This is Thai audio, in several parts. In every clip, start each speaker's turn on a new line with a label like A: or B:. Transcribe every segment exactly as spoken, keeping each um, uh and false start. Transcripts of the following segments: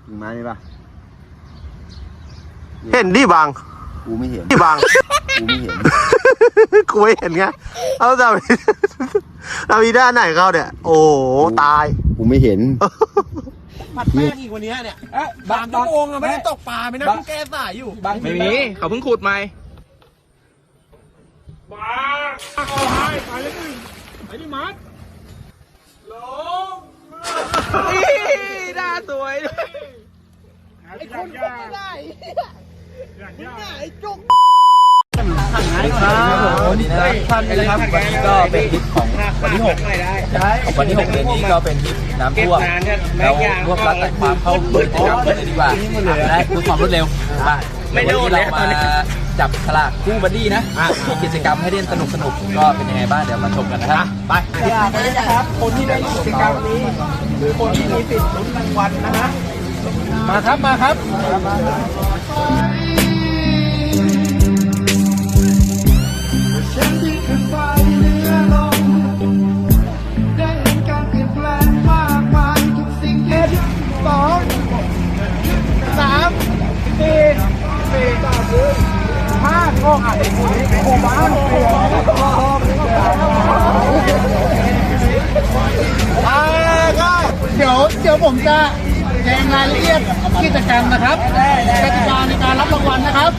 A: มานี่ปะ
B: เห็นดิบาง
A: กูไม่เห็น
B: ดิบาง
A: กูไม่เห็น
B: กูไม่เห็นไงเอาแต่เรามีด้านไหนเขาเนี่ยโอ้ตาย
A: กูไม่เห็น
C: ผัดแป้งอีกวันนี้เนี่ยบางชั่วโมงอะไม่ได้ตกปลาไม่ได้แก้สายอยู่
D: ไม่มีเขาเพิ่งขุดใหม่
C: บ้าเอาให้ไปเลยไปดิมัดลง
D: หน้าสวย
C: ไอ้คนก็ไม่ได้ไอ้จุก
D: วันนี้นะท่านนะครับวันนี้ก็เป็นทริปของวันที่หกวันที่หกเดือนนี้ก็เป็นทริปน้ำท่วมแล้วรวบรัดแต่ความเข้ากิจกรรมกันเลยดีกว่าได้เพื่อความรวดเร็วมาวันนี้เรามาจับฉลากคู่บัดดี้นะกิจกรรมให้เล่นสนุกสนุกก็เป็นยังไงบ้างเดี๋ยวมาชมกันนะครับไป
C: นะครับคนที่ได้กิจกรรมนี้หรือคนที่มีสิทธิ์ลุ้นรางวัลนะฮะมาครับมาครับฉันที่ขึ้นไปเหนือลมได้เห็นการเปลี่ยนแปลงมากมายทุกสิ่งเอ็ดสองสามสี่สี่ต่อพื้นห้าก็อ่านในคู่นี้โอ้บ้านเปลี่ยนอ่าก็เดี๋ยวเดี๋ยวผมจะแจ้งรายละเอียดกิจกรรมนะครับกติกาในการรับรางวัลนะครับ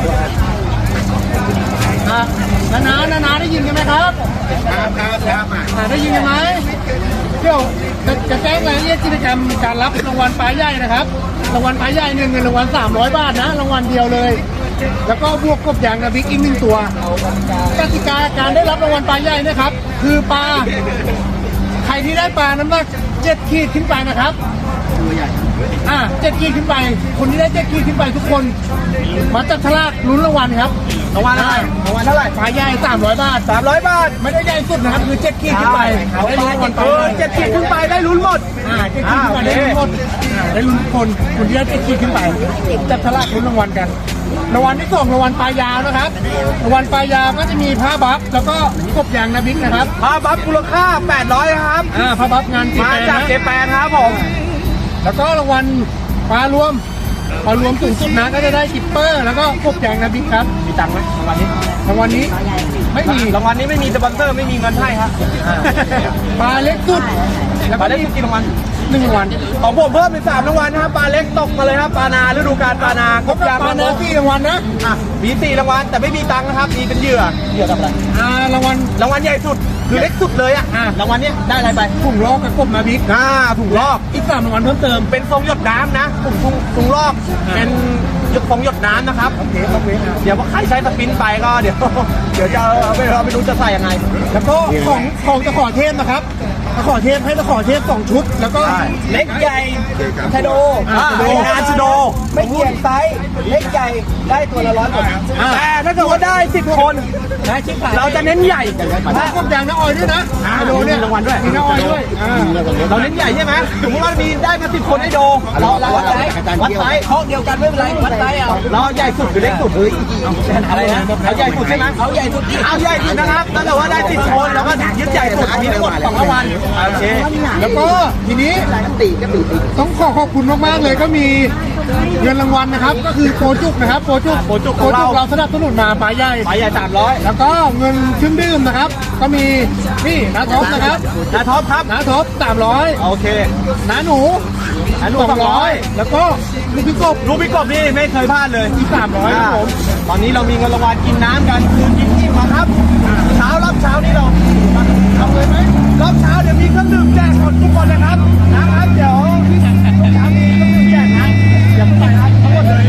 C: นานานานาได้ยินกันไหมครับครับครับครับได้ยินกันไหมเดี๋ยวจะแจ้งรายละเอียดกิจกรรมการรับรางวัลปลาใหญ่นะครับรางวัลปลาใหญ่เงินเงินรางวัลสามร้อยบาทนะรางวัลเดียวเลยแล้วก็บวกกบยางนะบิ๊กอีกหนึ่งตัวกติกาการได้รับรางวัลปลาใหญ่นะครับคือปลาใครที่ได้ปลาน้ำหนักเจ็ดขีดขึ้นไปนะครับตัวใหญ่อ่าเจ็ดขีดขึ้นไปคนที่ได้เจ็ดขีดขึ้นไปทุกคนมาจับฉลากลุ้นรางวัลครับรางวัลอะไรรางวัลเท่าไหร่ปลาใหญ่สามร้อยบาทสามร้อยบาทไม่ได้ใหญ่สุดนะครับคือเจ็ดขีดขึ้นไปได้ลุ้นรางวัลปลาเจ็ดขีดขึ้นไปได้ลุ้นหมดอ่าเจ็ดขีดขึ้นไปได้ลุ้นหมดอ่าได้ลุ้นคนคนที่ได้เจ็ดขีดขึ้นไปจับฉลากลุ้นรางวัลกันรางวัลที่สองรางวัลปลายาวนะครับรางวัลปลายาวก็จะมีผ้าบัฟแล้วก็กบยางนาบิ๊กนะครับผ้าบัฟมูลค่าแปดร้อยครับอ่าผ้าบัฟงานมาจากเจแปนครับผมแล้วก็รางวัลปลารวมปลารวมสูงสุดนะก็จะได้กิปเปอร์แล้วก็กบยางนาบิ๊กครับมีตังค์ไหมรางวัลนี้รางวัลนี้ไม่มีรางวัลนี้ไม่มีสปอนเซอร์ไม่มีเงินให้ครับปลาเล็กสุดปลาเล็กสุดกี่รางวัลหนึ่งรางวัลของผมเพิ่มเป็นสามรางวัลนะครับปลาเล็กตกมาเลยครับปลานาฤดูกาลปลานากบยางปลานาสี่รางวัลนะอ่ะมีสี่รางวัลแต่ไม่มีตังค์นะครับมีเป็นเหยื่อเหยื่อกับอะไรอ่ารางวัลรางวัลใหญ่สุดคือเล็กสุดเลยอ่ะรางวัลนี้ได้อะไรไปถุงลอกกับกบมาบิ๊กอ่าถุงลอกอีกสามรางวัลเพิ่มเติมเป็นทรงหยดน้ำนะถุงถุงถุงลอกเป็นหยดฟองหยดน้ำนะครับโอเคโอเคเดี๋ยวว่าใครใช้สปินไปก็เดี๋ยวเดี๋ยวจะเอาไปเราไม่รู้จะใส่ยังไงแล้วก็ของของตะขอเทพนะครับตะขอเทพให้ตะขอเทพสองชุดแล้วก็เล็กใหญ่ชโดงานชโดไม่เกี่ยงไซส์เล็กใหญ่ได้ตัวละร้อยหมดแต่ถ้าเกิดว่าได้สิบคนเราจะเน้นใหญ่ถ้ากบยางน้าออยด้วยนะชโดเนี่ยรางวัลด้วยมีน้าออยด้วยเราเน้นใหญ่ใช่ไหมสมมติว่ามีได้มาสิบคนให้โดเราเราวัดไซส์วัดไซส์ห้องเดียวกันไม่เป็นไรวัดไซส์เอาเราใหญ่สุดหรือเล็กสุดเฮ้ยอะไรนะเอาใหญ่สุดใช่ไหมเอาใหญ่สุดเอาใหญ่สุดนะครับถ้าเกิดว่าได้สิบคนเราก็ยึดใหญ่สุดมีทั้งหมดสองรางวัลโอเคแล้วก็ทีนี้ต้องขอขอบคุณมากๆเลยก็มีเงินรางวัลนะครับก็คือโปรจุกนะครับโปรจุกโปรจุกเราสนับสนุนมาปลาใหญ่ปลาใหญ่สามร้อยแล้วก็เงินเครื่องดื่มนะครับก็มีนี่น้าท็อปนะครับน้าท็อปครับน้าท็อปสามร้อยโอเคน้าหนูน้าหนูสองร้อยแล้วก็ลูกพี่กบลูกพี่กบนี่ไม่เคยพลาดเลยอีกสามร้อยครับผมตอนนี้เรามีเงินรางวัลกินน้ำกันคือกินอิ่มมาครับเช้ารอบเช้านี้เราทำเลยไหมรอบเช้าเดี๋ยวมีเครื่องดื่มแจกหมดทุกคนนะครับนะครับเดี๋ยวที่เช้านี้เครื่องดื่มแจกนะอย่าไปนะทั้งหมดเลย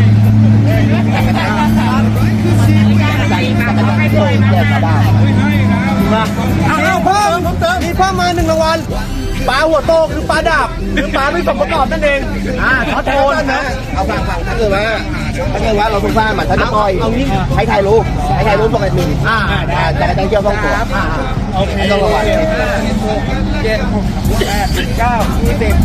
C: เอาเพิ่มมีเพิ่มมาหนึ่งรางวัลปลาหัวโตคือปลาดาบหรือปลาไม่สมประกอบนั่นเองอ่าช็อตโคนนะเอาฟังฟังถ้าเกิดว่าถ้าเกิดว่าเราสงสารมันถ้าจะปล่อยเอางี้ให้ถ่ายรูปให้ถ่ายรูปปกติอ่าจะได้เกี่ยวต้องตัวโอเคต้องระวังเจ็ดแปดเก้ายี่สิบ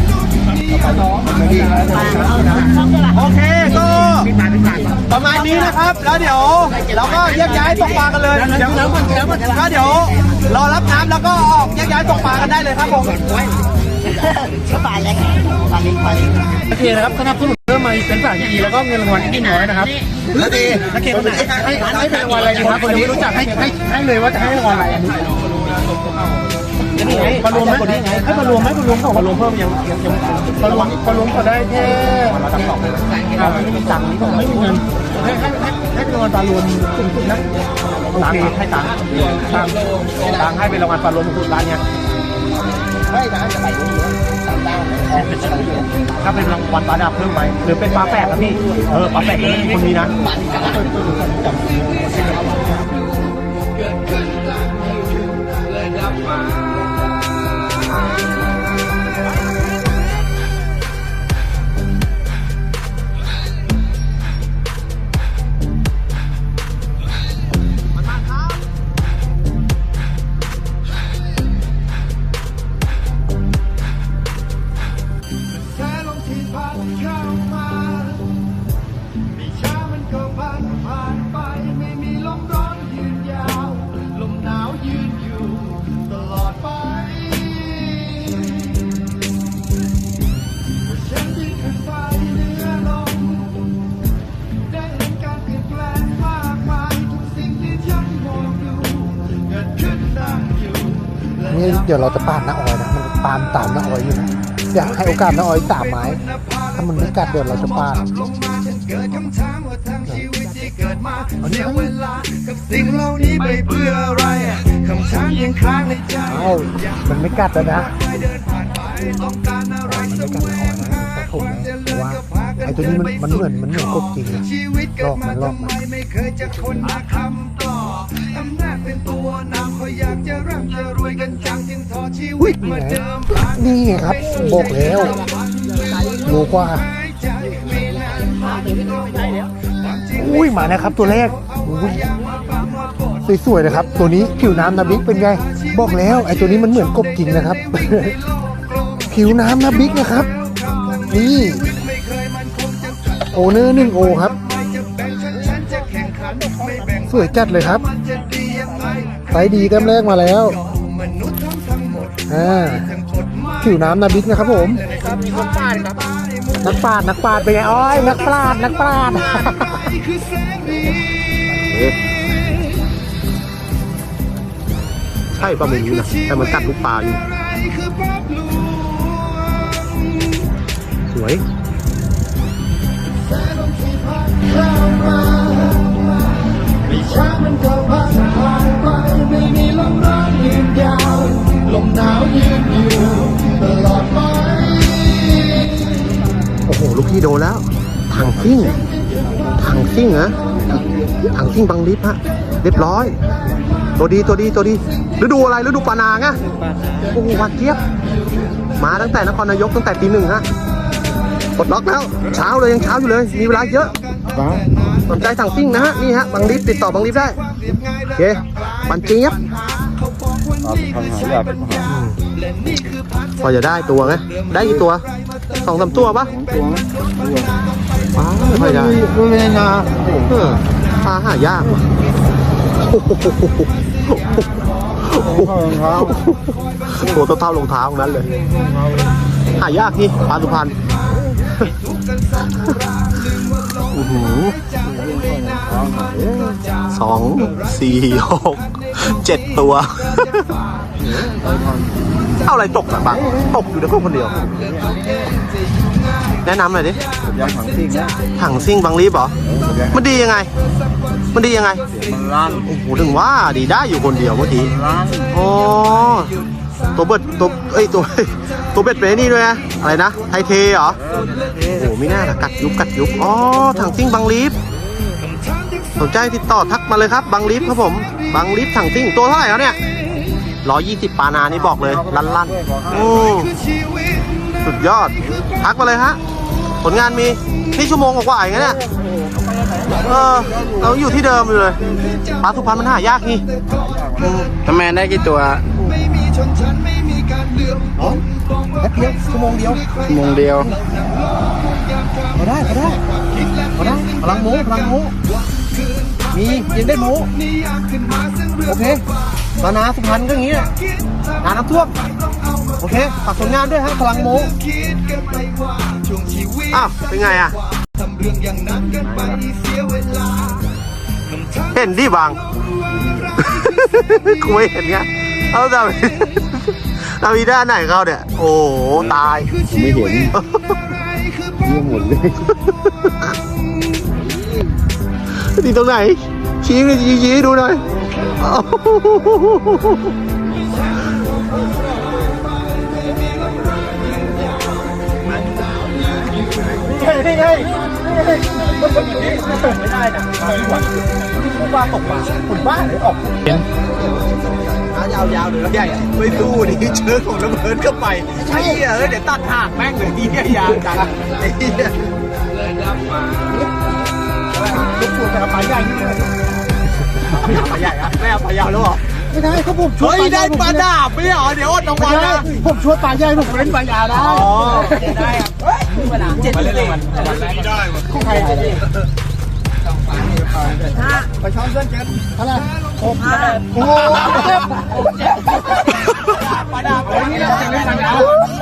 C: โอเคก็ประมาณนี้นะครับแล้วเดี๋ยวเราก็แยกย้ายตกปลากันเลยเดี๋ยวก็เดี๋ยวรอรับน้ำแล้วก็ออกแยกย้ายตกปลากันได้เลยครับผม
E: ก็ปลาเล็กปลาเล็กปลาเล็ก
C: โอเคนะครับสนับสนุนเพิ่มมาอีกเป็นสายที่ดีแล้วก็เงินรางวัลที่น้อยนะครับ
B: นาที
C: นักเก็ตให้ให้เป็นรางวัลอะไรดีครับคนนี้รู้จักให้ให้ให้เลยว่าจะให้รางวัลอะไรอันนี้มารวมไหมให้มารวมไหมมารวมของมารวมเพิ่มยังยังยังมารวมมารวมก็ได้แค่ครับไม่มีตังค์ไม่มีเงินให้ให้ให้ให้เป็นรางวัลปลารวมสูงสุดนะโอเคให้ตังค์ตังค์ตังค์ให้เป็นรางวัลปลารวมสูงสุดร้านเนี้ย
E: ไม่นะจะไปตรงนี้ตามด้านออกเป็นชั้นเดียว
C: ถ้าเป็นรางวัลปลาดาบเพิ่มไหมหรือเป็นปลาแปลกครับพี่เออปลาแปลกนี่คนนี้นะ
B: นี่เดี๋ยวเราจะปาดน้าออยนะมันปาดตามน้าออยอยู่นะอยากให้โอกาสน้าออยสามไม้ถ้ามันไม่กัดเดี๋ยวเราจะปาดเอ้ามันไม่กัดแล้วนะมันไม่กัดน้าออยนะแต่ผมนะเพราะว่าไอ้ตัวนี้มันมันเหมือนมันเหมือนกบจริงนะลอกมันลอกมันอุ้ยนี่ไงนี่ไงครับบอกแล้วโลกว่าอุ้ยมานะครับตัวแรกสวยๆนะครับตัวนี้ผิวน้ำนาบิ๊กเป็นไงบอกแล้วไอ้ตัวนี้มันเหมือนกบจริงนะครับ ผิวน้ำนาบิ๊กนะครับนี่โอเนอร์หนึ่งโอครับสวยจัดเลยครับไซส์ดีแต้มแรกมาแล้วอ่าผิวน้ำนาบิ๊กนะครับผมนักปราดนักปราดเป็นไงอ้อยนักปราดนักปราดใช่ป่ะไม่รู้นะแต่มันกัดลูกปลาอยู่สวยโอ้โหลูกพี่โดนแล้วถังซิ่งถังซิ่งนะถังซิ่งบังลิฟฮะเรียบร้อยตัวดีตัวดีตัวดีฤดูอะไรฤดูปลานางอะโอ้โหหวานเจี๊ยบมาตั้งแต่นครนายกตั้งแต่ตีหนึ่งฮะปลดล็อกแล้วเช้าเลยยังเช้าอยู่เลยมีเวลาเยอะสนใจสั่งซิ่งนะฮะนี่ฮะบังลิฟติดต่อบังลิฟได้โอเคปันเจี๊ยบพอจะได้ตัวไงได้กี่ตัวสองสามตัวปะตัวว้าวไม่ได้ไม่ได้นาปลาหายากตัวเท่ารองเท้าตรงนั้นเลยหายากนี่ปลาสุพรรณสองสี่หกเจ็ดตัวเอาอะไรตกอะบังตกอยู่ในพวกคนเดียวแนะนำหน่อยดิถังซิ่งถังซิ่งบังลีบเหรอมันดียังไงมันดียังไงมันลั่นโอ้โหถึงว่าดีได้อยู่คนเดียวเมื่อกี้โอ้ตัวเบ็ดตัวเอ้ยตัวตัวเบ็ดเป็นนี่ด้วยนะอะไรนะไทเทเหรอโอ้โหไม่น่ากัดยุบกัดยุบอ๋อถังซิ่งบังลีบสนใจติดต่อทักมาเลยครับบังลีบครับผมบังลีบถังซิ่งตัวเท่าไหร่แล้วเนี่ยร้อยยี่สิบปานานี่บอกเลยลั่นลั่นโอ้สุดยอดทักมาเลยฮะผลงานมีนี่ชั่วโมงกว่าอย่างเงี้ยเนี่ยเออเราอยู่ที่เดิมอยู่เลยปลาสุพรรณมันหายากนี่ทำไมได้กี่ตัวแป๊บเดียวชั่วโมงเดียวชั่วโมงเดียวพอได้พอได้พอได้พลังหมูพลังหมูมียังได้หมูโอเคปลานาสุพรรณก็อย่างนี้นาน้ำท่วมโอเคฝากผลงานด้วยฮะพลังโมอ้าวเป็นไงอ่ะเห็นดิบาง กูไม่เห็นไงเอาแต่นาวีด้านไหนเขาเนี่ยโอ้โหตาย
A: ผมไม่เห็นเยี่ยมหมดเลย
B: ตีตรงไหนชี้เลยชี้ชี้ดูหน่อย
C: เฮ้ยเฮ้ยเฮ้ย
D: ไม่ได้นะผู้ว่าตกปลาผมบ้าเลยออกยาวยาวเลยใหญ่ไม่สู้ดิเชิญของระเบิดเข้าไปไอ้เหี้ยเออเดี๋ยวตัดหางแม่งเลยที่เนี่ยยาวจังไอ้เหี้ย
C: ลูกปูแต่ปลาใหญ่นี่เลย
D: ปลาใหญ่อะไม่เอาปลายาวแล้วหรอ
C: ไม่ได้เขาผมช่วย
D: เฮ้ยได้ปลาดาบไม่เหรอเดี๋ยวอดรางวัลนะ
C: ผมช่วยปลาใหญ่ผมเล่นปลายาวได้
D: อ๋อได้ครับเจ็ดสิบมันได้
C: ของใครไปช้อนเส้นกันอะไรหกห้าโอ้ปลาดาบนี่เราจะเล่นปลายาว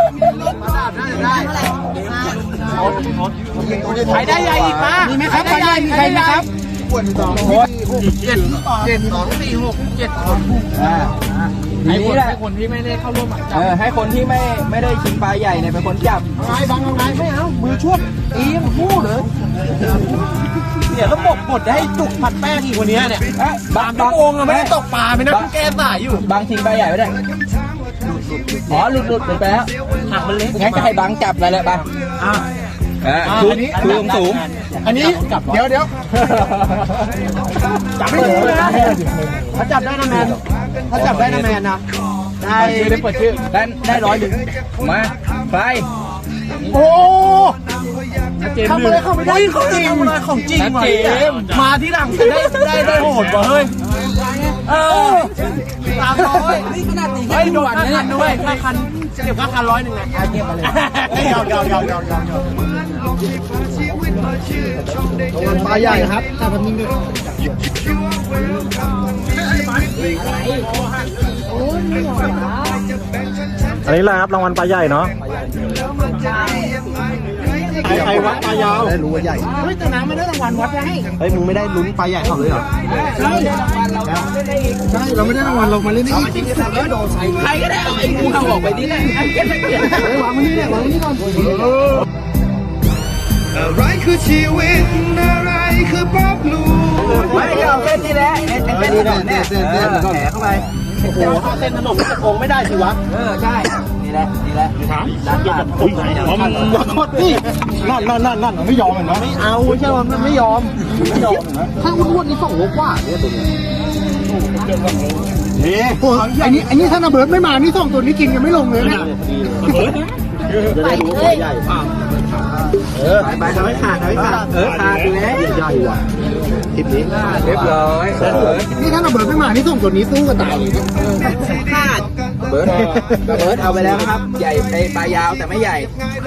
D: ใครได้ใหญ่อีกมา
C: มีไหมครับปลาใหญ่มีใครไหมครับ
D: สองเจ็ดเจ็ดสองสี่หกเจ็ดคนให้คนให้คนที่ไม่ได้เข้าร่วมหมายจับเออให้คนที่ไม่ไม่ได้ชิงปลาใหญ่เนี่ยเป็นคนจับ
C: ไงบังเอาไงไม่เอามือช่วย
D: อีมพูดเลยเนี่ยระบบกดให้จุกผัดแป้งอีกวันนี้เนี่ยบางบางองค์ไม่ได้ตกปลาไม่นะแกสายอยู่บางชิงปลาใหญ่ไม่ได้อ๋อหลุดหลุดไปแล้วหักมันเล็กงั้นก็ให้บางจับอะไรเลยไปอ่าคือคือสูง
C: อันนี้เดี๋ยวเดี๋ยวจับไม่ได้นะถ้าจับได้นะแมนถ้าจับได้นะแมนนะได้ได้เปิดชื่อ
D: ได้ได้ร้อยหนึ่งมาไป
C: โอ้ทำอะไรเข้าไม่ได้ของจริงของจริงว่ะมาที่หลังได้ได้ได้โหดว่ะเฮ้ยเออสามร้อยนี่ขนาดตีให้โดนค่าคันด้วยค่าคันเก็บค่าคันร้อยหนึ่งนะเก็บมาเลยยาวยาวยาวยาวยาวยาวปลาใหญ่ครับถ้าพันนิ่งด้วย
B: อันนี้แหละครับรางวัลปลาใหญ่เนาะใครวัดปลายาวได้รู้ว่าใหญ่
C: เฮ้ยแต่น้ำไม่ได้รางวัลวัดให้
B: เฮ้ยมึงไม่ได้ลุ้นปลาใหญ่เขาเลยเหรอ
C: ใช่ใช่เราไม่ได้รางวัลเรามาเล่นนี่จริงๆแล้วโดนใส่
D: ใครก็ได้เอาไอ้งูเห่าออกไปนี่แหละไอ้เก็บไม่เก็บ
C: เฮ้ยวางมันนี่แหละวางมันนี่ก่อน
F: อะไรคือชีวิตอะไรคือป๊อปลู
D: ไม่เอาเส้นนี่แหละเส้นเส้นก่อนเนี่ยเส้นเส้นแผลเข้าไป
C: โอ้โหถ้าเส้นถนนจะโกงไม่ได้สิวะ
D: เออใช่นี่แหละนี่แหละร้านขาด
C: อุ้ยอย่าโคตรนี่นั่นนั่นนั่นนั่นไม่ยอมเห็นไหมไม่เอาใช่ไหมมันไม่ยอมไม่ยอมถ้าอ้วนๆนี่สองโลกว่าเนี่ยตัวนี้นี่โอ้ยอันนี้อันนี้ถ้าระเบิดไม่มานี่สองตัวนี้กินกันไม่ลงเลยนะ
B: ไปเลยเออไปไปทำให้ขาดทำให้ขาด
D: เออขาดอยู่แล้ว
B: ใหญ่ว่ะคลิปนี้
D: เรียบร้อย
C: นี่ถ้าระเบิดไม่มานี่สองตัวนี้สู้กันตายเลย
D: ขาดเบิร์ดเบิร์ดเอาไปแล้วครับ ใหญ่ไอปลายาวแต่ไม่ใหญ่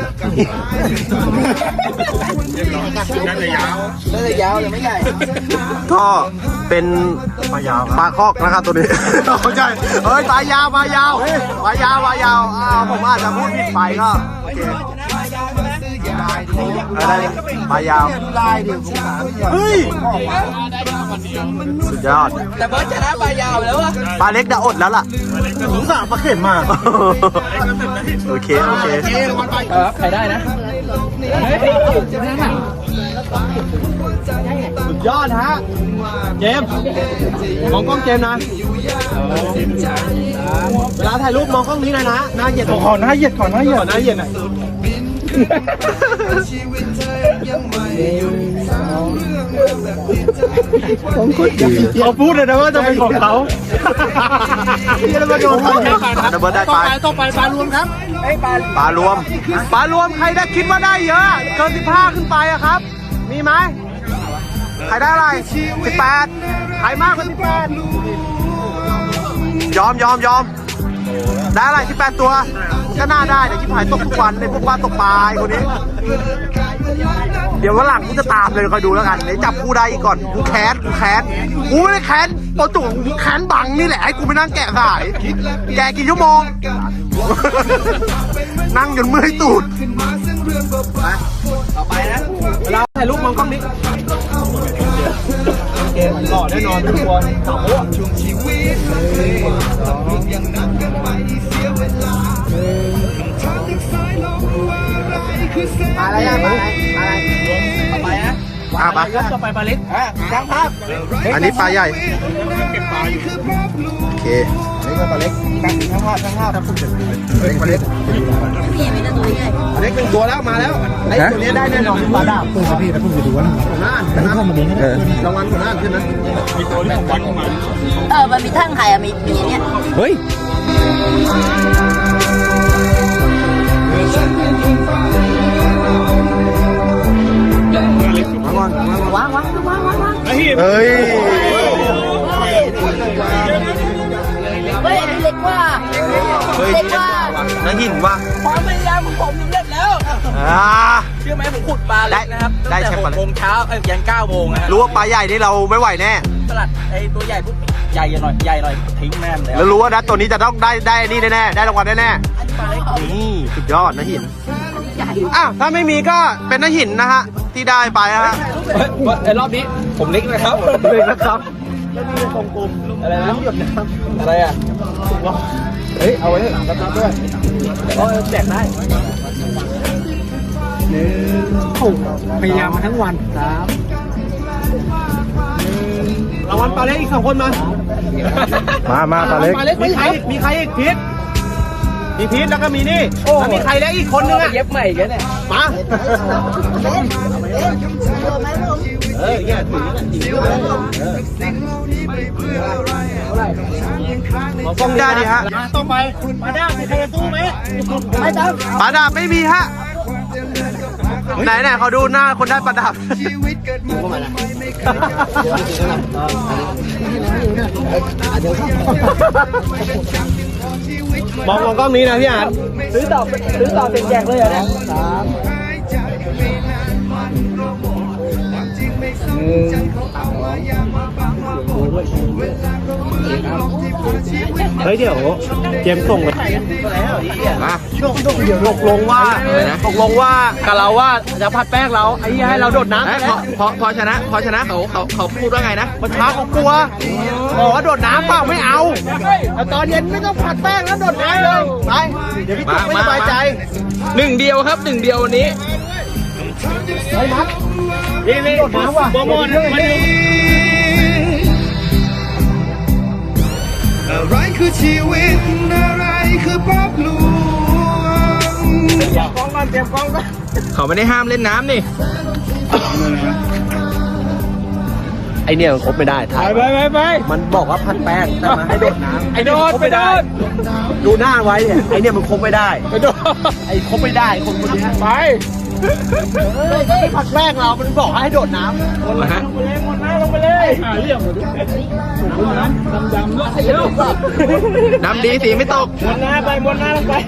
D: น่าจะยาวน่าจะยาวแต่ไม่ใหญ่
B: ก็เป็นปลายาวปลาคอกนะครับตัวนี้เข้าใจเฮ้ยปลายาวปลายาวปลายาวปลายาวอ่าผมอาจจะพูดผิดไปก็โอเคอะไรปลายาวเฮ้ยสุดยอด
D: แต่เบิร์ดชนะปลายาวแล้ววะ
B: ปลาเล็กจะอดแล้วล่ะสงสารปลาเข็มมากโอเคโอเค
D: เออใครได้นะ
B: สุดยอดฮะเจมส์มองกล้องเจมส์นะเวลาถ่ายรูปมองกล้องนี้นะนะหน้าเหยียดขอหน้าเหยียดขอหน้าเหยียดขอหน้าเหยียดหน่อยเขาพูดเลยนะว่าจะเป็นของเขาที่เรามาโดนเขาดับเบิลได้ไป
C: ต่อไปปลารวมครับ
B: ปลารวมปลารวมใครได้คิดว่าได้เยอะเกินสิบห้าขึ้นไปอะครับมีไหมใครได้อะไรสิบแปดใครมากกว่าสิบแปดยอมยอมยอมได้อะไรสิบแปดตัวก็น่าได้แต่ชิบหายตกทุกวันในพวกบ้านตกปลาไอ้คนนี้เดี๋ยววันหลังกูจะตามเลยคอยดูแล้วกันเดี๋ยวจับกูได้อีกก่อนกูแค้นกูแค้นกูไม่ได้แค้นตัวจุ๋งกูแค้นบังนี่แหละให้กูไปนั่งแกะสายแกะกี่ชั่วโมงนั่งจนเมื่อยตูด
E: ต่อไปนะ
B: เราถ่ายรูปมองกล้องนี้เกมหล่อแน่นอนทุกคนสาวอ่ะ
F: ช่วงชีวิตยังนับกันไปเสียเวลาทางที่สายลมว่าอะไรคือเส้น
E: มาอะไรอ่ะมาอะไรมาอะไรต่อไปนะ
B: อ่ะปะ
C: ต่อไปปลาเล็ก
E: อ่ะช่างภาพ
B: อันนี้ปลาใหญ่
F: คือภาพลวง
B: โอเค
E: นี่ก็ปลาเล็กช่างภาพช่างภาพ
B: เฮ้ยปลาเล็ก
G: พี่ไม่ได้ตัวใหญ่
B: ปลาเล็กหนึ่งตัวแล้วมาแล้วไอ้ตัวนี้ได้แน่นอนปลาดาบตัวพี่แล้วผมจะดูว่าหัวหน้านะครับรางวัลหัวหน้าใช่ไหม
G: เออ มันมีทั้งไข่อะมีมีเนี่ย
B: เฮ้ยมาก่อนมาก่อน
G: วางวางวางวางวาง
B: เฮ้ย
G: เฮ้ยอันนี้เล็กกว่า
B: เฮ้ย
G: เล็กกว่า
B: น่าหินว่ะ
D: ความพยายามของผมสำเร็จแล้ว
B: อ่า
D: เชื่อไหมผมขุดปลาเล็กนะครับ
B: ได้
D: ตั้ง
B: ได้
D: แต่
B: ใช่
D: ห
B: ปลาก เล็ก
D: โมงเช้าเอ้ยยันเก้าโมงนะฮะ
B: รู้ว่าปลาใหญ่นี่เราไม่ไหวแน่
D: สลัดไอ้ตัวใหญ่ปุ๊บใหญ่หน่อยใหญ่หน่อยทิ้งแม่มเลย
B: แล้วรู้ว่านะตัวนี้จะต้องได้ได้นี่แน่ๆได้รางวัลแน่ๆนี่สุดยอดนะหินอ้าวถ้าไม่มีก็เป็นนะหินนะฮะที่ได้ไปนะฮะ
D: ไอ้รอบนี้ผมเล็กนะครับ
B: เล็กนะครับ
D: อะไรนะอะไรอ่ะ
B: เฮ้ยเอาไว้หลังกระทะด้วย
D: ก็แจกได้
C: พยายามมาทั้งวันครับรางวัลปลาเล็กอีกสองคนมา
B: มามาปลาเล็ก
C: ปลาเล็กมีใครอีกมีใครอีกพีทมีพีทแล้วก็มีนี่แล้วมีใครแล้วอีกคนนึงอ่ะ
D: เย็บใหม่อีกันเนี่ย
C: มา
B: เฮ้ยเนี่ยถือ
C: กล้องได้ดิฮะต้องไปมาด้ามีใครจะสู้ไหมไม่ต้อง
B: ปลาดาบไม่มีฮะไหนไหนเขาดูหน้าคนได้ปลาดาบ
F: ชีวิตเกิดมาทำไมไม่เคย
C: มองมองกล้องนี้นะพี่อ่าน
D: ซื้อต่อซื้อต่อเป็นแจกเลยเหรอเนี่ย
F: หายใจไม่นานมันรอความจริงไม่สนใจเขาเอาว่าอย่ามาบังมาบอกเวลาก็เหมือนลมที่พาชีวิต
C: เฮ้ยเดี๋ยวเจมส์ส่งไป
B: มา
C: ตกลงว่าตกลงว่ากับเราว่าจะผัดแป้งเราไอ้เหี้ยให้เราโดดน้ำไป
B: พ
C: แล้
B: อ
C: ว
B: พอพอชนะพอชนะเขาเขาเขาพูดว่าไงนะ
C: มันช้าเขากลัวบอกว่าโดดน้ำเปล่าไม่เอาแต่ตอนเย็นไม่ต้องผัดแป้งแล้วโดดน้ำเลยไปเดี๋ยวพี่ตุ๊กไม่สบายใจ
D: หนึ่งเดียวครับหนึ่งเดียววันนี้
C: นี่นี่โดดน้ำว่ะโปรโมทมาดู
F: อะไรคือชีวิตอะไรคือภาพลวง
C: กล้องก่อนเตรียมกล้องก่อน
D: เขาไม่ได้ห้ามเล่นน้ำนี่
B: ไอเนี่ยมันครบไม่ได้ถ่าย
C: ไปไปไป
B: มันบอกว่าพันแป้งแต่มาให้โดดน้ำ
C: ไอ้โดดไปโดด
B: ดูหน้าไว้เนี่ยไอเนี่ยมันครบไม่ได้
C: ไปโดด
B: ไอครบไม่ได้คนคนนี้
C: ไปไม่ผัดแป้งเรา มันบอกให้โดดน้ำ
D: นะฮะ
C: หมดน้ำลงไปเลยหาเรื่องเลยน้ำดำๆแล้วเยอะ
D: น้ำดีสีไม่ตก
C: หมดน้ำไปหมดน้ำลงไป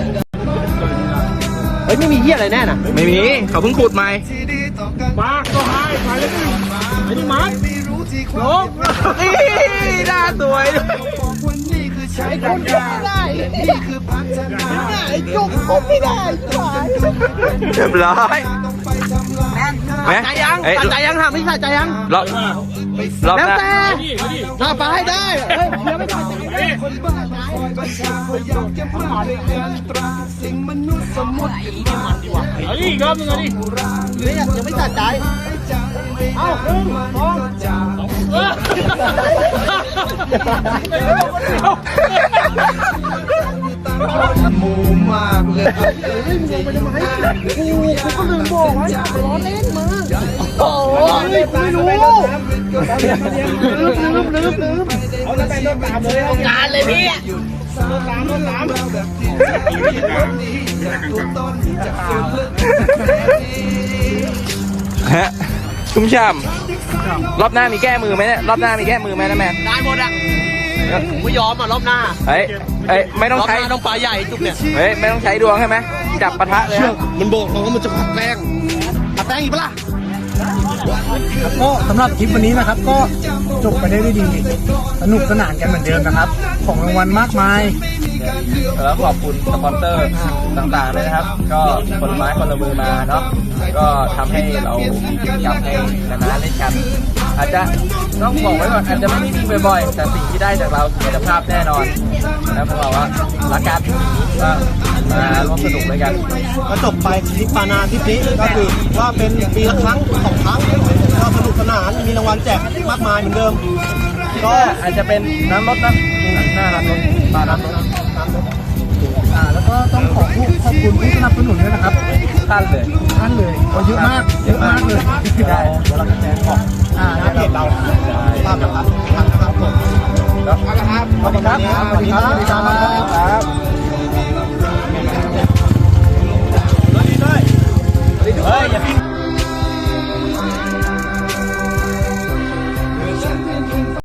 B: เฮ้ยไม่มีเหี้ยอะไรแน่น่ะ
D: ไม่มีเขาเพิ่งขุดใหม่
C: มาก็ให้ไปเลยไอ้นี่มาลง
D: หน้าสวยด้วย
F: ใช้คนไม่ได้นี่คือพัฒนาไอ้จุกผมไม่ได้
B: เรียบร้อย
D: ไหม
B: ใจยัง
D: เอ้ย
B: ใจยังถามพี่ชายใจยัง
D: รอบรอบ
B: แล้ว
D: หน้า
B: แต่ถ้าไปให้ได้เฮ้ยเดี๋ยวไม่ต้อง
F: คนบ้าประชาอยากจะมาในอัตราสิ่งมนุษย์สมมติ
C: เอาดิอีกรอบนึงเอาดิ
B: เนี่ยยังไม่ตัดใจ
C: เอาหนึ่งสองสามเออ
F: หมูมากเลย
C: โอ้ยไม่รู้ลืมลืมลืมลืมเอาจะไปต้นตามเลยการเลยพี่ต้นตามต้นตาม
D: ฮะชุ่มฉ่ำรอบหน้ามีแก้มือไหมเนี่ยรอบหน้ามีแก้มือไหมนะแม่
B: ได้หมดอ่ะผมไม่ยอมอ่ะรอบหน้า
D: เฮ้ยเอ้ยไม่ต้อง
B: รอบห
D: ใช้
B: น้าต้องปลาใหญ่จุกเนี่ย
D: เฮ้ยไม่ต้องใช้ดวงใช่ไหมจับปะทะเลยฮะ
B: มันบอกเราว่ามันจะผัดแป้งผัดแป้งอีกปะล่ะ
C: ก็สำหรับคลิปวันนี้นะครับก็จบไปได้ด้วยดี สนุกสนานกันเหมือนเดิมนะครับ ของรางวัลมากมาย
D: เนี่ยแล้วขอบคุณสปอนเซอร์ต่างๆเลยนะครับ ก็คนละไม้คนละมือมาเนาะก็ทำให้เรามีกิจกรรมให้นาๆเล่นกัน อาจจะต้องบอกไว้ก่อนอาจจะไม่ได้วิ่งบ่อยๆแต่สิ่งที่ได้จากเราคือคุณภาพแน่นอนนะพวกเราว่ารักกันว่ามาร่วมสนุกด้วยกัน
B: ก็จบไปทริปปานาทริปนี้ก็คือว่าเป็นปีละครั้งสองครั้งก็สนุกสนานมีรางวัลแจกมากมายเหมือนเดิม
D: ก็อาจจะเป็นน้ำรถนะหน้าน้ำรถปลาน้ำรถ
C: อ่าแล้วก็ต้องขอขอบคุณผู้สนับสนุนด้วยนะครับ
D: ท่านเลย
C: ท่านเลยโอ้เยอะมากเยอะมากเลย
D: ได้เดี๋ยวเราจะแจกของ
C: อ่า
B: หน้าเพจเราภาพนะครับทางนะครับผม
D: ครับสวัสดีครับ
B: สวัสดีครับ
D: สวัสดีครับเฮ้ยอย่าพิง